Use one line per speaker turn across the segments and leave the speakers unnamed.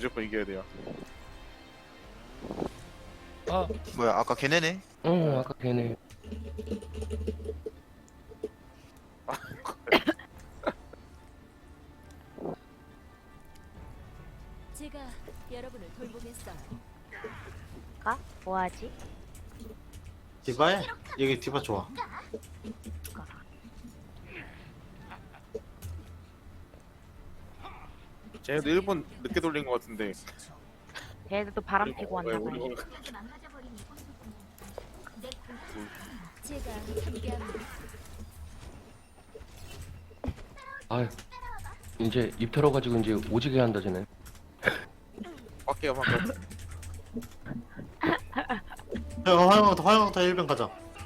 무조건 이겨야 돼요.
아
뭐야 아까 걔네네?
응 아까 걔네.
제가 여러분을 돌보겠어요.
가? 뭐하지?
디바해? 여기 디바 좋아.
쟤네도 1분 늦게 돌린 것 같은데.
걔네도 바람 피고
왜
왔나봐요.
우리
제가 함께합니다.
아 이제 입 털어가지고 이제 오지게 한다 쟤네.
밖에요 밖에.
야, 화영부터 1병 가자.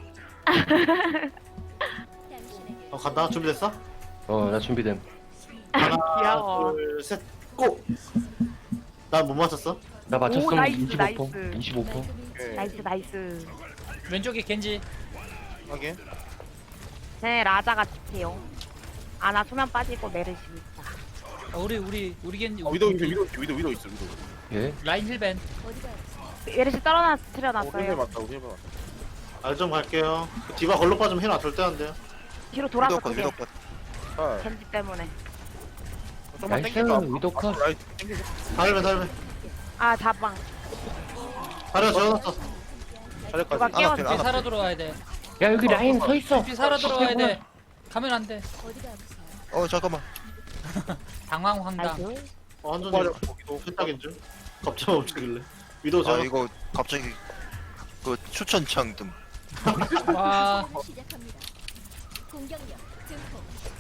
당신에게
간다. 준비됐어?
나 준비됨.
하나,
귀여워.
둘, 셋, 고! 난 못 맞췄어?
나 맞췄음.
오, 나이스,
25%.
나이스.
25%.
오케이.
나이스 나이스.
왼쪽에 겐지.
확인.
쟤네 라자가 좋대요. 아나 수면 빠지고 메르시 있다.
우리 겐지.
위도 있어 위도 있어.
예.
라인 힐벤.
어디가
메르시
힐
틀어놨어요.
맞다. 힐 맞다.
알 좀 갈게요. 디바 걸로 빠지면 힐안 절대 안 돼요.
뒤로 돌아서
위도컷
크게.
위도컷.
아,
겐지 때문에.
좀만
나이스,
땡겨봐.
위도 컷.
라이트 땡겨줘.
달면.
아 자방.
다리가 지어놨어.
자리까지.
누가 깨웠어.
뒤에 살아 들어와야 돼.
야 여기 라인 서 있어.
뒤에 살아 들어와야 돼. 가면 안 돼.
어디가 아프세요?
잠깐만.
당황 황당.
나이스.
완전히
맞아. 거기도
세탁인 줄. 갑자기 멈추길래. 위도
아
지어.
이거 갑자기 그 추천창 뜸.
와
시작합니다. 공격력 증폭.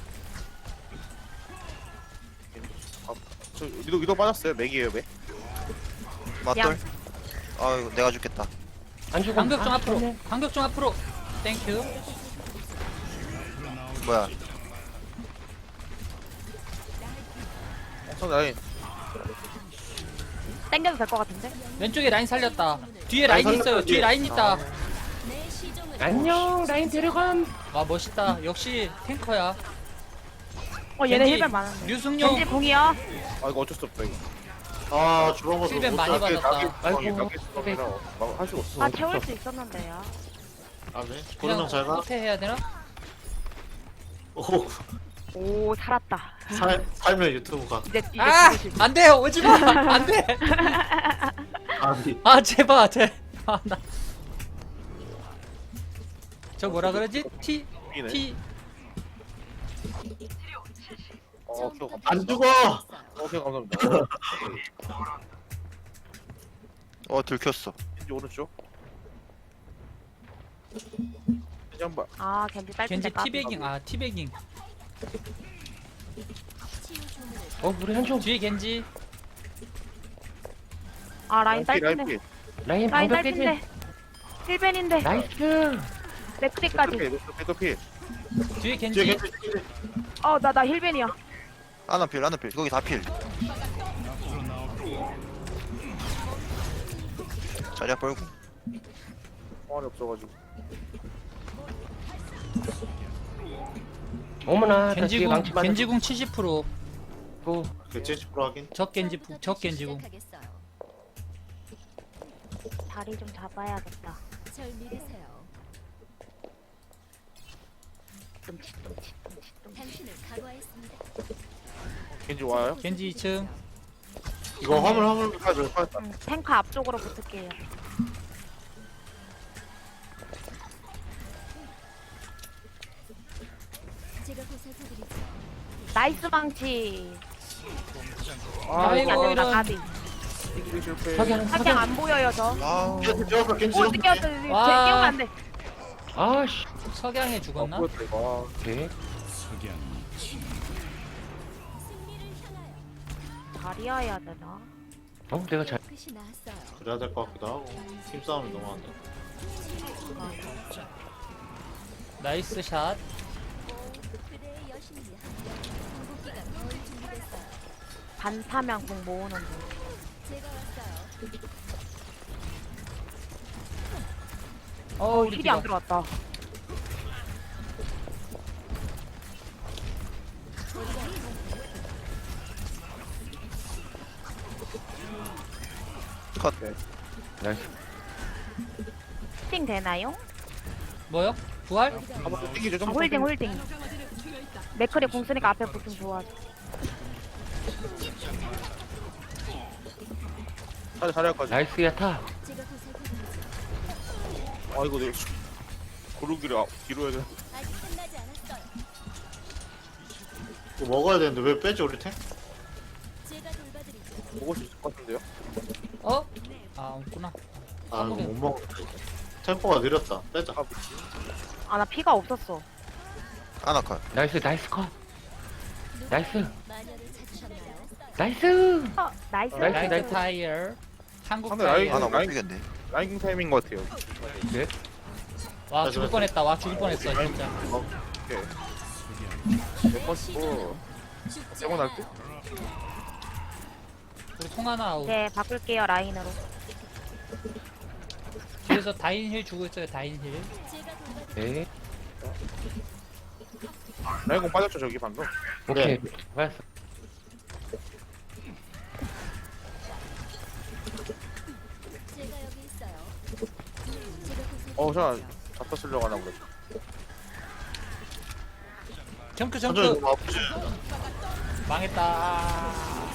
저 위도 빠졌어요. 맥이에요 맥.
맞돌. 아 이거 내가 죽겠다.
안 죽어.
간격 좀 앞으로. 간격 좀 앞으로. 땡큐.
뭐야?
성 라인.
땡겨도 될 것 같은데?
왼쪽에 라인 살렸다. 뒤에 라인 있어요. 뒤에 라인 있다.
내 시종을
안녕 라인 데려감.
와 멋있다. 역시 탱커야.
얘네
겐지,
힐벤 많은데.
류승용.
겐지 공이요.
아 이거 어쩔 수 없다 이거.
아, 주방 거
힐벤 많이 받았다.
아이고.
할 수가 없어.
아 채울 수 있었는데요.
아, 네.
그냥
고르명 잘 가.
호태 해야 되나?
오,
오 살았다.
살면 유튜브 가.
이제
아
죽으실 수
안돼 오지마 안돼.
아니.
아 제발 아 나. 저 뭐라 그러지? T
이네.
T
ኪ워 감사합니다.
안 죽어!
ኪ워 감사합니다.
들켰어.
겐지 오른쪽. 겐지 한 발.
아 겐지
겐지
딸핀데
티베깅 아 티베깅.
치유 주문을
우리 한쪽
뒤에 겐지.
아 라인
라인
딸핀데.
피.
라인
라인
방벽 깨지.
딸핀데. 힐벤인데.
나이스.
맥크리까지.
백도 피.
뒤에
뒤에
겐지.
겐지.
나 힐벤이야.
하나 필. 거기 다 필. 자리야 벌고.
공안이 없어가지고.
어머나 나 뒤에
겐지궁
망치 맞았고.
겐지궁 70%.
그 70% 하긴.
적 겐지궁.
시작하겠어요.
다리 좀 잡아야겠다.
절 믿으세요.
끔찍.
당신을 각오했습니다.
겐지 와요?
겐지 2층.
이거 화물.
탱크 앞쪽으로 붙을게요.
제가 보살펴드리죠.
나이스 망치.
아이고
안 되겠다,
이런.
까비.
겐지 실패.
석양
사냥 안 보여요 저.
아우.
겐지 지었어, 겐지
오
지었어.
느꼈어.
와.
깨우면 안 돼.
아씨.
석양에 죽었나?
보였다 이거.
오케이.
승리를 향하여
다리야 해야 되나?
내가 잘.
끝이 나왔어요.
그래야 될 것 같기도 하고. 팀싸움이 너무 안 돼.
나이스 샷.
그대의 여신이 궁극기가 거의 준비됐어요.
반사면 공 모으는 중.
제가 왔어요.
우리
힐이 안
디바.
들어왔다.
컷.
나이스.
홀딩 되나요?
뭐요? 부활?
한번 땡기죠. 좀
홀딩 홀딩. 맥클이 공 쓰니까 앞에 붙으면 좋아져.
자리까지.
나이스 야타.
제가 보살펴드리죠.
아 이거 내 고르기를 뒤로 해야 돼.
아직 끝나지 않았어요.
이거 먹어야 되는데 왜 빼지 우리 탱?
제가 돌봐드리죠.
먹을 수 있을 것 같은데요?
어? 아 없구나.
아 이거 못 먹어. 템포가 느렸다. 빼자.
아 나 피가 없었어.
하나 컷.
나이스 나이스 컷. 나이스.
마녀를 찾으셨나요?
나이스.
나이스.
나이스,
라이트
나이스.
타이어. 한국
상대 라인-
타이어.
하나 못
라인-
죽였네.
라인킹 타임인 것 같아요.
네.
와 죽을 뻔했다. 와 죽을 뻔했어 진짜.
오케이. 내 것이고
죽지
세번 할
않아요.
때?
우리 통 하나 아웃.
네 바꿀게요 라인으로.
뒤에서 다인 힐 주고 있어요. 다인 힐.
제가 돌봐드리죠.
네.
라인공 빠졌죠 저기 방금.
오케이. 맞았어.
제가 여기 있어요. 제가
저 잡다 쓰려고 하나 그랬어.
점프
천천히
점프.
너무 아프지?
망했다.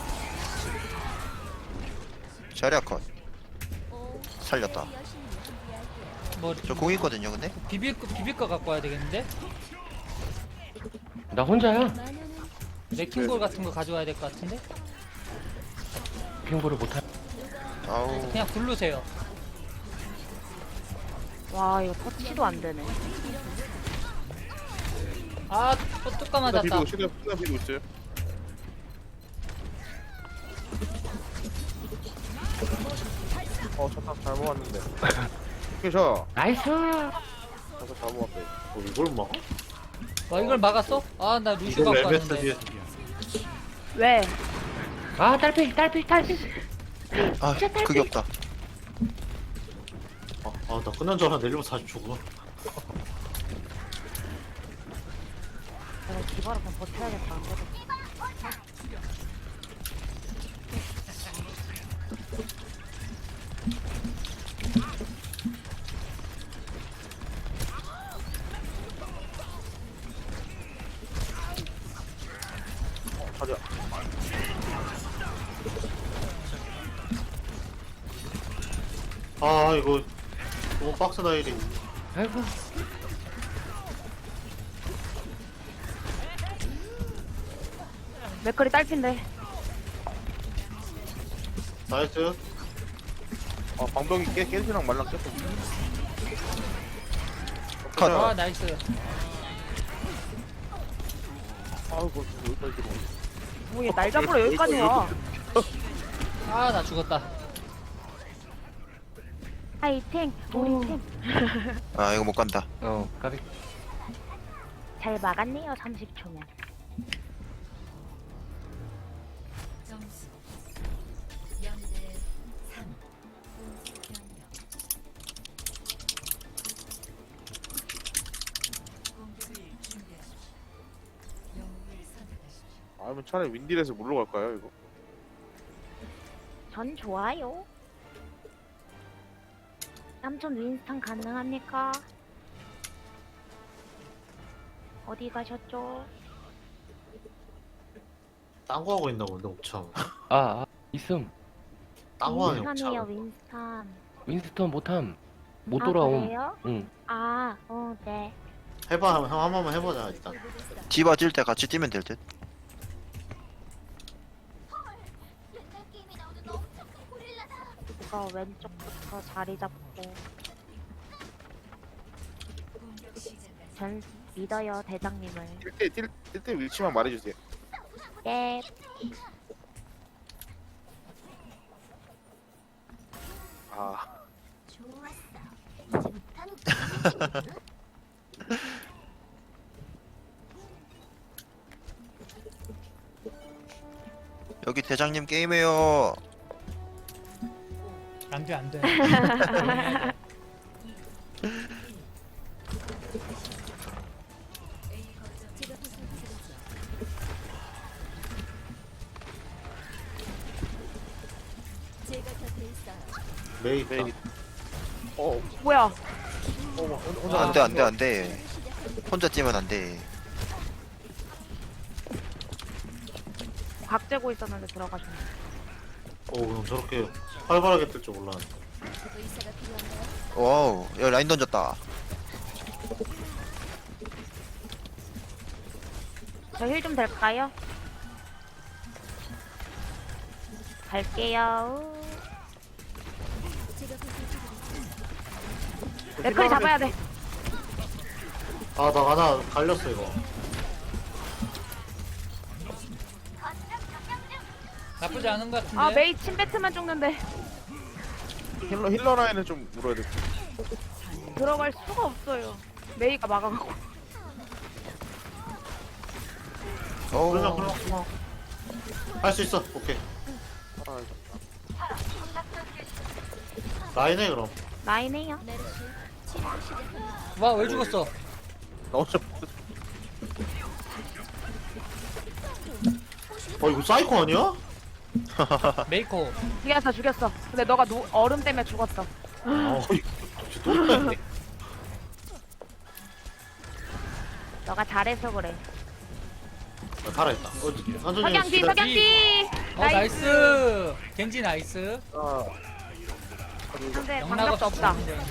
자리야 컷.
오,
살렸다.
내 여신이 준비할게요.
뭐
저 공 있거든요, 근데.
비빌 거 갖고 와야 되겠는데?
나 혼자야.
마녀는
레킹볼 같은 거 가져와야 될 것 같은데?
핑보를 못하.
아우.
그냥 굴르세요.
와 이거 터치도 안 되네.
아, 또 뚜까
시간
맞았다.
비비고 시간 비비고 있어요. 잠깐 잘못 왔는데. 오케이
나이스.
잘못 왔대.
이걸 먹어?
와, 이걸 막았어? 아, 나 루슈
이걸
갖고
MS
왔는데.
뒤에.
왜?
아 딸피 딸피 딸피.
아, 그게 없다.
나 끝난 줄 알았는데 내리면 다시 죽어.
내가 기바로 그냥 버텨야겠다. 안 그래도.
자리야.
아 이거 너무 빡세다 일이.
아이고.
맥클이 딸핀데.
나이스.
방벽이 깨지랑 말랑 깼어.
컷.
아, 나이스.
아이고 여기까지 들어.
뭐얘날 잡으러 여기까지 와.
아, 나 죽었다.
파이팅 우리 팀.
아, 이거 못 간다.
까비.
잘 막았네요 30초면.
점수 0대 3. 공격을 준비하십시오. 영웅을 선택하십시오.
아니면 차라리 윈딜에서 물러갈까요 이거?
전 좋아요. 삼촌 윈스턴 가능합니까? 어디 가셨죠?
딴 거 하고 있나 본데 옥참.
있음.
딴 거 하네
윈스턴이에요
옥참.
윈스턴.
윈스턴 못함. 못
아,
돌아옴.
그래요?
응.
네.
해봐 형 한 번만 해보자 일단.
디바 찔 때 같이 뛰면 될 듯.
이거 왼쪽부터 자리 잡고.
공격 시작까지
전 믿어요 대장님을.
뛸때 위치만 말해주세요.
예.
여기 대장님 게임해요.
안 돼, 안 돼.
제가 보살펴드리죠. 제가 곁에 있어요.
메이 있다.
메이. 어,
뭐야?
혼자
안돼 안돼 안돼. 혼자 찌면 안돼.
각 재고 있었는데 들어가시네.
오 그럼 저렇게 활발하게 뜰 줄 몰랐네.
의사가 필요한가요?
와우 야 라인 던졌다.
저 힐 좀 될까요? 갈게요.
제가 보살펴드리죠.
맥클이 잡아야 돼.
아 나 하나 갈렸어 이거.
나쁘지 않은 것 같은데.
아 메이 침배트만 죽는데
힐러 라인을 좀 물어야 돼.
들어갈 수가 없어요. 메이가 막아가고.
그러면
어.
할 수 있어. 오케이.
아,
라인해 그럼.
라인해요.
메르시 치료를 시작합니다.
와, 왜 죽었어?
나 혼자
이거 사이코 아니야?
메이커.
죽였어. 근데 너가 얼음 때문에 죽었어.
또 있네.
너가 잘해서 그래.
살아있다. 한준이
석양지 석양지.
나이스. 겐지 나이스.
아,
근데
영락
방벽도
없이
없다.
죽는데.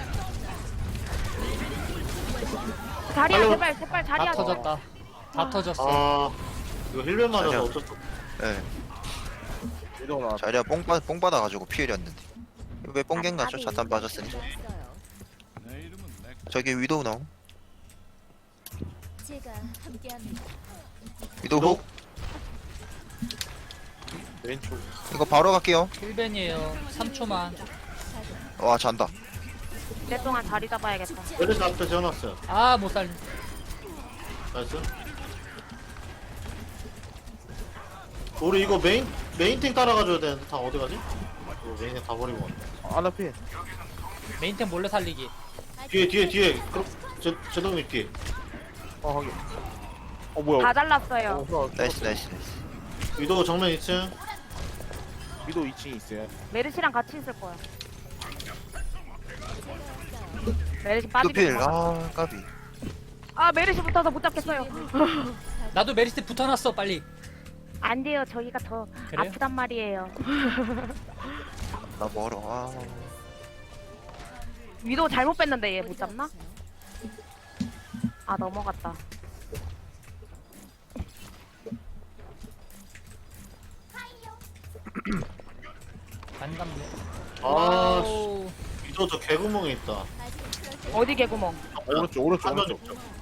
자리야
빨리
제발
다
자리야.
터졌다. 다 터졌어.
아 이거 힐맨 맞아서
아니야.
어쩔 수 없어.
예.
위도 나.
자리야 뽕 받아가지고 피해렸는데. 왜 뽕겐 가죠? 자탄 빠졌으니.
좋았어요.
저기 위도우 나옴.
제가 함께합니다.
위도우 훅.
왼쪽.
이거 바로 갈게요.
1벤이에요. 3초만.
와 잔다.
내 동안 자리 잡아야겠다.
메르시 앞에 재워놨어요.
아, 못 살리.
나이스. 우리 이거 메인탱 따라가줘야 되는데 다 어디 가지? 이거 메인탱 다 버리고 왔네.
아나피.
메인템 몰래 살리기.
뒤에. 그럼 제동님 뒤에.
아, 하긴. 뭐야.
다 잘랐어요.
나이스.
위도 정면 2층.
위도 2층에 있어요.
메르시랑 같이 있을 거야. 메르시 빠지게.
두필. 아 까비.
아 메르시 붙어서 못 잡겠어요.
나도 메리스 붙어놨어, 빨리.
안 돼요. 저희가 더
그래요?
아프단 말이에요.
나 멀어. 아.
위도 잘못 뺐는데 얘 못 잡나? 아 넘어갔다.
반갑네.
아
와우.
위도 저 개구멍에 있다.
어디 개구멍?
오른쪽.
한번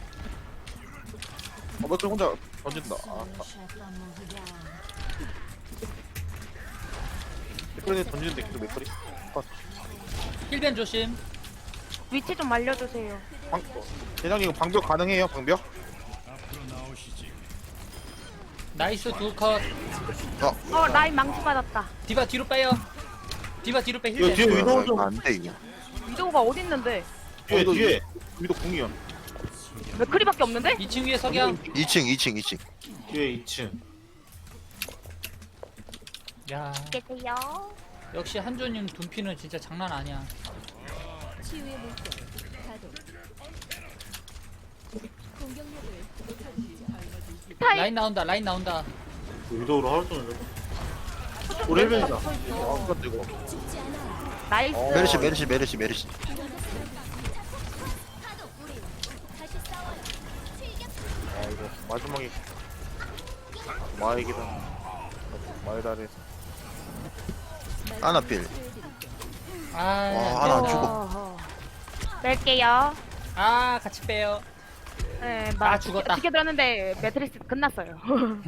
맥클 혼자 던진다. 아, 맥클이 던지는데 계속 맥클이.
1벤 조심.
위치 좀 알려주세요.
대장님 이거 방벽 가능해요? 방벽?
나이스 두 컷.
라인 망치 받았다.
디바 뒤로 빼요. 디바 뒤로 빼.
이거
1벤.
뒤에 위도 좀.
안돼 이거.
위도우가 어디 있는데?
뒤에.
위도 궁이야.
맥크리밖에 없는데?
2층 위에 석양.
2층.
뒤에 2층.
야,
계세요.
역시 한조님 둔피는 진짜 장난 아니야.
치유의 물결 가동. 공격력을 높여드리죠.
타임.
라인 나온다.
위도우로 하루 종일. 우리 힐맨이다.
아, 뜨거.
죽지 않아요.
나이스.
메르시.
다시 싸워요.
아, 이거 마지막에 마에게다. 마에다에서.
아나필.
아,
와, 하나 안 죽어.
어허. 뺄게요.
아, 같이 빼요.
네,
아, 죽었다.
지켜 들었는데 매트리스 끝났어요.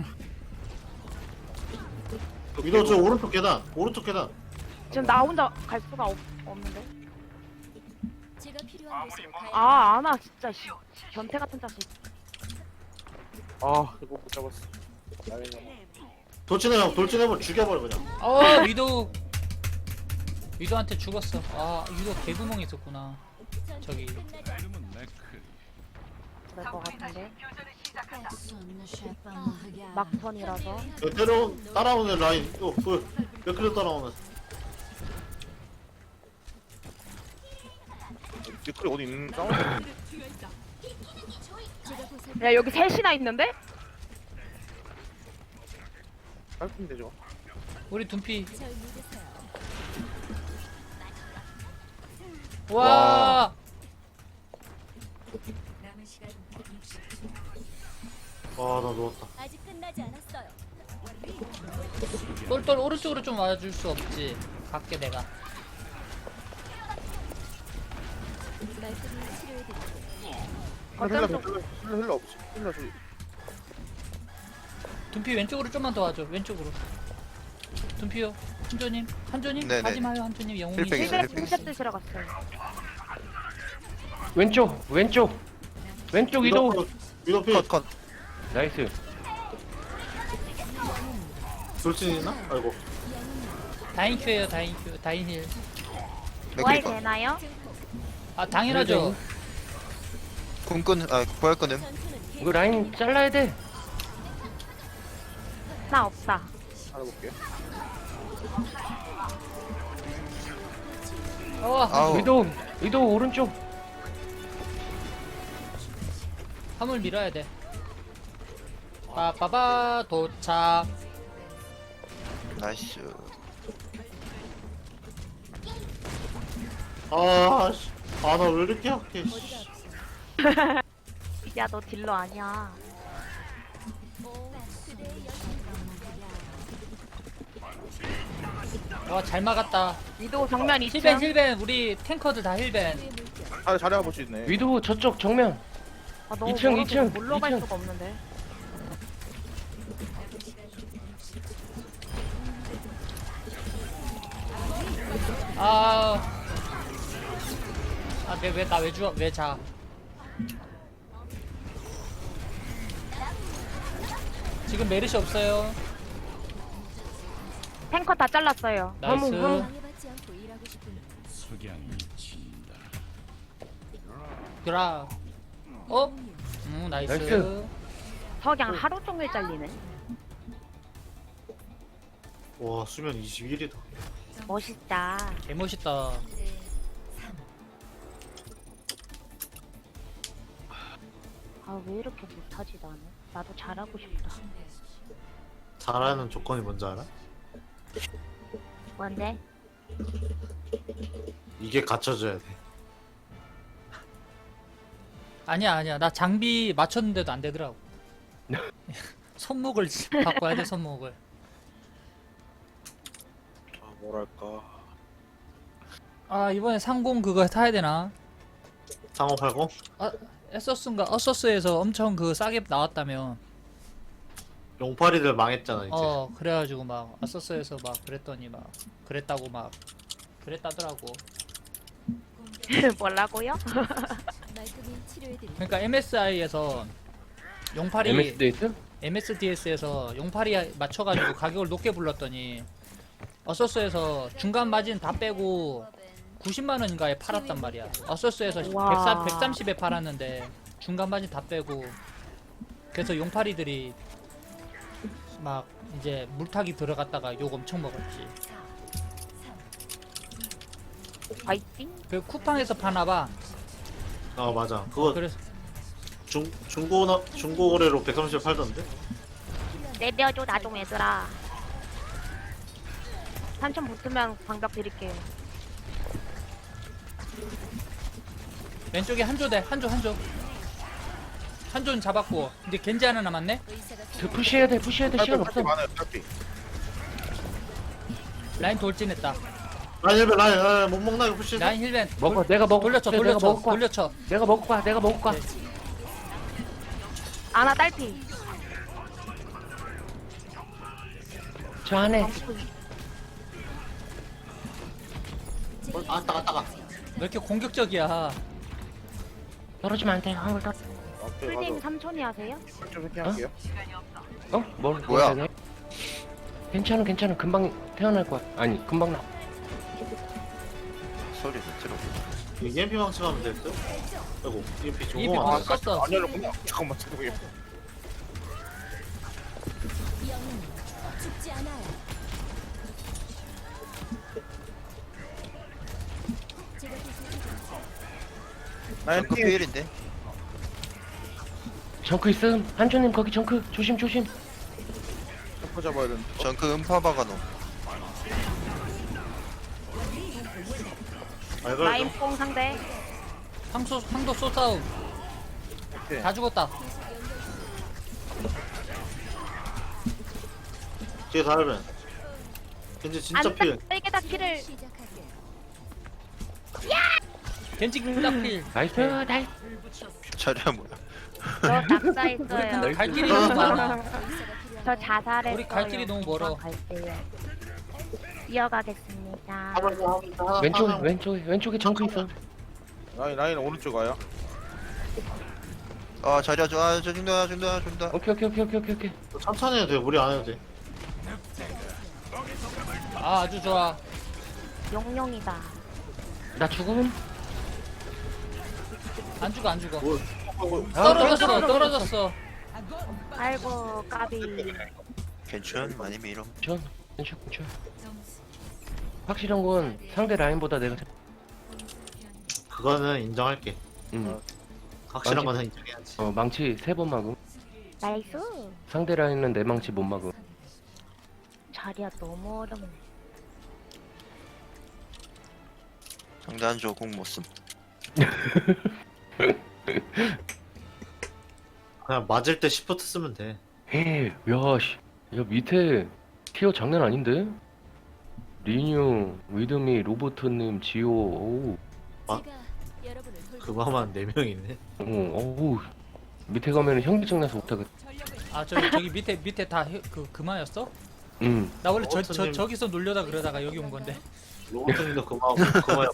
위도 저 오른쪽 계단.
지금 나 혼자 갈 수가 없는데.
제가 필요한 곳으로 가야
아, 아나 진짜 씨. 변태 같은 자식.
아, 이거 못 잡았어.
돌진해버 죽여버려 그냥.
위도한테 죽었어. 아, 위도 개구멍 있었구나. 저기.
그럴 것 같은데. 막턴이라서.
따라오는 라인. 몇 킬로 따라오는.
댓글이 어디 있는 싸우는
제가 보살
야 여기 셋이나 있는데?
깔끔 되죠.
우리 둠피.
절 믿으세요.
와.
와, 나 누웠다.
아직 끝나지 않았어요.
똘똘 오른쪽으로 좀 와줄 수 없지. 갈게 내가.
말끔히 치료해드릴게요.
힐러
어쩜
힐러 없지. 힐러 저기.
둠피 왼쪽으로 좀만 더 와줘. 왼쪽으로. 둠피요. 한조님. 한조님
네네.
가지 마요. 한조님 영웅이.
힐팩 있어요,
힐베
힐팩.
힐베 드시러 갔어요.
왼쪽 왼쪽 이도.
위도 피.
컷.
나이스.
돌진 있나? 아이고.
다인 큐예요. 다인 큐. 다인 힐.
부활
맥크리커.
되나요?
아 당연하죠.
궁끈 부활 끊음.
전투는
이거 라인 잘라야 돼.
나 없다.
알아볼게요.
아우.
이도 오른쪽.
화물 밀어야 돼. 빠빠바 도착.
나이스.
아, 씨. 아, 나 왜 이렇게 약해, 씨.
야 너 딜러 아니야.
와 잘 막았다.
위도 정면 있죠?
힐벤 힐벤 우리 탱커들 다 힐벤.
잘해 볼 수 있네.
위도 저쪽 정면.
아, 너무
2층,
멀어서
2층,
몰러 갈
2층.
수가 없는데.
아. 아, 내 왜 나 왜 자? 지금 메르시 없어요.
탱커 다 잘랐어요.
나이스.
방해받지 않고 일하고 싶은
드라. 어? 나이스.
나이스.
석양 하루 종일 잘리네.
와, 수면 21이다.
멋있다.
개멋있다.
아 왜 이렇게 못하지 나는? 나도 잘하고 싶다.
잘하는 조건이 뭔지 알아?
뭔데?
이게 갖춰져야 돼.
아니야. 나 장비 맞췄는데도 안 되더라고. 손목을 바꿔야 돼, 손목을.
뭐랄까.
아, 이번에 상공 그거 타야 되나?
상호 80?
에서스인가? 어서스에서 엄청 그 싸게 나왔다며.
용팔이들 망했잖아, 이제.
그래가지고 막 어서스에서 막 그랬더니 막 그랬다고 막 그랬다더라고.
뭐라고요?
말끔히 치료해드릴게요.
그러니까 MSI에서 용팔이
MS 데이트?
MSDS에서 용팔이 맞춰가지고 가격을 높게 불렀더니 어서스에서 중간 마진 다 빼고 90만 원인가에 팔았단 말이야. 어서스에서
와.
130에 팔았는데 중간 마진 다 빼고 그래서 용팔이들이 막 이제 물타기 들어갔다가 욕 엄청 먹었지.
파이팅.
그 쿠팡에서 파나봐.
아, 맞아. 그거
그래서
중고 거래로 130 팔던데?
내려줘 나 좀 얘들아. 3천 붙으면 방벽 드릴게요.
왼쪽에 한조대 한조는 잡았고 이제 겐지 하나 남았네.
의사가
푸시해야 돼 시간 없어.
많아요. 딸피.
라인 돌진했다.
라인 힐벤, 라인, 못 먹나, 이거 푸시?
라인 힐벤
먹어 내가 먹어.
돌려쳐
내가 먹을 거야.
돌려쳐.
내가 먹을 거야.
네.
아나 딸피.
저 안에.
아, 따가.
왜 이렇게 공격적이야?
떨어지면 안 돼. 한번 떨.
앞에
풀님
가서
3촌이 하세요?
좀 생각할게요.
뭐야?
괜찮아. 금방 태어날 거야. 아니 금방 나.
소리 못 들어.
EMP 망치가면 될 듯? 아이고, EMP
EMP
중공 안
벌써
돼.
썼어.
안 열렸구나. 잠깐만.
영웅 죽지 않아요. 제가 보살펴드릴게요.
라인
정크
피해.
피일인데.
정크 있음. 한조님 거기 정크 조심 조심.
잡고 잡아야 된다.
정크 음파 박아놓.
알걸
라인 뽕 상대.
상도 쏘싸움.
오케이.
다 죽었다.
뒤에 다르면 겐지 진짜 필.
빨개다 키를.
시작할게.
겐지 딱필.
나이스 나이스.
자리야 뭐야?
저 낙사
우리
있어요.
근데 갈 길이 너무 많아.
저 자살했어요.
우리 갈 길이 너무 멀어.
갈게요. 이어가겠습니다.
왼쪽에 정크 있어.
라인 오른쪽 가요.
아 자리야 저 중다.
오케이.
천천히 해도 돼. 무리 안 해도 돼.
아 아주 좋아.
용용이다.
나 죽음.
안 죽어 안 죽어.
뭐,
떨어졌어.
아이고 까비.
괜찮 많이 밀어.
전. 확실한 건 상대 라인보다 내가
그거는 인정할게. 확실한
맞지?
거는 인정해야지.
망치 3번 막음.
나이스.
상대 라인은 내 망치 못 막음.
자리야 너무 어렵네.
상대 한조 공못 쓴.
그냥 맞을 때 시프트 쓰면 돼.
야 밑에 티어 장난 아닌데? 리뉴, 위드미, 로보트님, 지오, 오우,
아,
제가 여러분을 돌볼
그거만 4명이네.
어우, 밑에 가면은 현기증 나서 못하겠다.
아 저기 밑에 다 그마였어? 나 원래
어쩌님.
저기서 놀려다 그러다가 여기 온 건데.
로봇님도 그마고 그마야.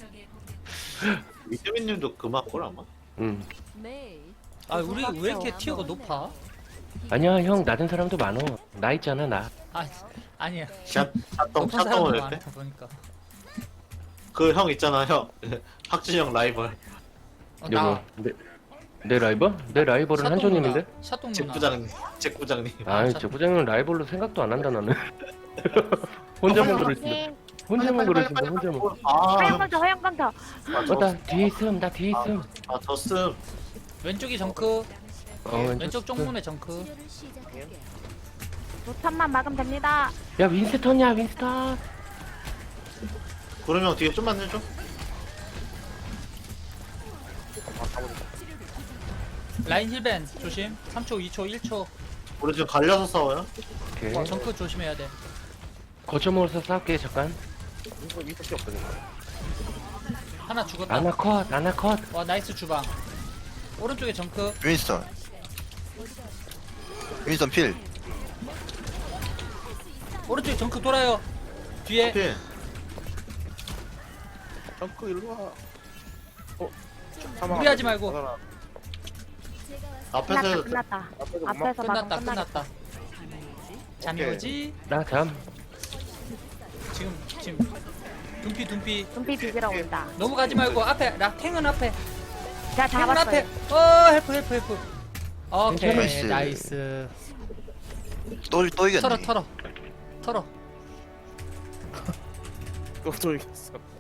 위드민님도 그마꼴 아마.
매일
아 우리 왜 이렇게 티어가 높아?
아니야, 형, 낮은 사람도 많어. 나 있잖아, 나.
아 아니야.
샷동
높은 사람도
샷동을 했대.
많다 보니까.
그 형 있잖아 형. 학진형 라이벌.
나
내 라이벌? 내 라이벌은 한조님인데?
샷동
잭
누나.
부장님. 잭 부장님.
아이, 제 부장님은 라이벌로 생각도 안 한다, 나는. 혼자만 그러신다. 혼자만 그러신다, 혼자만.
허영방터.
나 뒤에 있음, 나 뒤에 있음.
아 졌음.
왼쪽이 정크.
왼쪽
왼쪽 쪽문에 정크.
치료를 시작할게.
노탄만 막으면 됩니다.
야, 윈스턴이야, 윈스턴.
구름이 형 뒤에 좀만 해줘.
라인 힐벤 조심. 3초, 2초, 1초.
우리 지금 갈려서 싸워요.
오케이.
정크 조심해야 돼.
거점으로서 싸울게, 잠깐.
이거 이밖에 없어. 지금.
하나 죽었다.
아나 컷.
와 나이스 주방. 오른쪽에 정크.
윈스턴 필.
오른쪽에 정크 돌아요. 뒤에
필.
정크 일로 와.
무리하지 말고.
제가 왔어.
앞에서 해도 돼.
끝났다.
앞에서
앞에서 막으면
끝났다
끝나겠다.
끝났다. 잠이
오케이.
오지?
나 잠.
지금 둠피
눈빛 비비러 온다.
너무 가지 말고 앞에 탱은 앞에
제가
탱은 앞에
잡았어요.
헬프 오케이
나이스.
나이스
또 이겼네.
털어
또 이겼어.